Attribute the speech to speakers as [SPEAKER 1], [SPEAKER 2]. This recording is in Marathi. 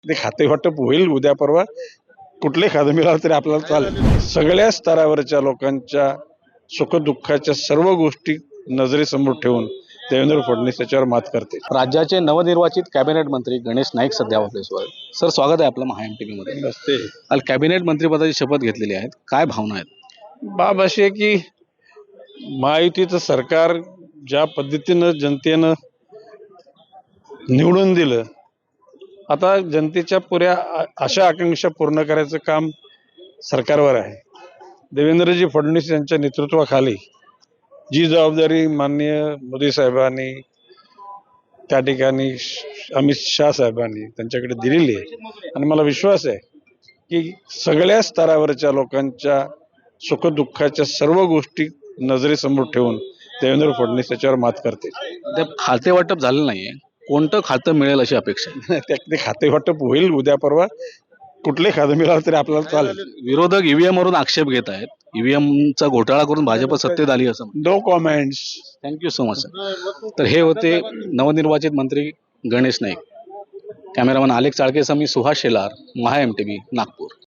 [SPEAKER 1] ते खाते वाटप होईल उद्या परवा. कुठले खाते मिळालं तरी आपल्याला चालेल. सगळ्या स्तरावरच्या लोकांच्या सुखदुःखाच्या सर्व गोष्टी नजरेसमोर ठेवून देवेंद्र फडणवीस त्याच्यावर मात करते.
[SPEAKER 2] राज्याचे नवनिर्वाचित कॅबिनेट मंत्री गणेश नाईक सध्या आपल्यासोबत. सर, स्वागत आहे आपलं महा MTV मध्ये.
[SPEAKER 1] नसते
[SPEAKER 2] काल कॅबिनेट मंत्रिपदाची शपथ घेतलेली आहेत, काय भावना आहेत?
[SPEAKER 1] बाब अशी आहे की महायुतीचं सरकार ज्या पद्धतीनं जनतेनं निवडून दिलं, आता जनतेच्या पुऱ्या आशा आकांक्षा पूर्ण करायचं काम सरकारवर आहे. देवेंद्रजी फडणवीस यांच्या नेतृत्वाखाली जी जबाबदारी माननीय मोदी साहेबांनी त्या ठिकाणी अमित शाह साहेबांनी त्यांच्याकडे दिलेली आहे आणि मला विश्वास आहे की सगळ्या स्तरावरच्या लोकांच्या सुखदुःखाच्या सर्व गोष्टी नजरेसमोर ठेवून देवेंद्र फडणवीस त्याच्यावर मात करते.
[SPEAKER 2] ते खाते वाटप झालं नाहीये, कोणतं खातं मिळेल अशी अपेक्षा आहे?
[SPEAKER 1] ते खाते वाटप होईल उद्या परवा. कुठले खाते मिळालं तरी आपल्याला चालेल.
[SPEAKER 2] विरोधक EVM वरून आक्षेप घेत आहेत. EVMचा घोटाळा करून भाजप सत्तेत आली असं.
[SPEAKER 1] No comments.
[SPEAKER 2] Thank you so much sir. तर हे होते नवनिर्वाचित मंत्री गणेश नाईक. कॅमेरामन आलेख चाळकेसह मी सुहास शेलार, महा MTV, नागपूर.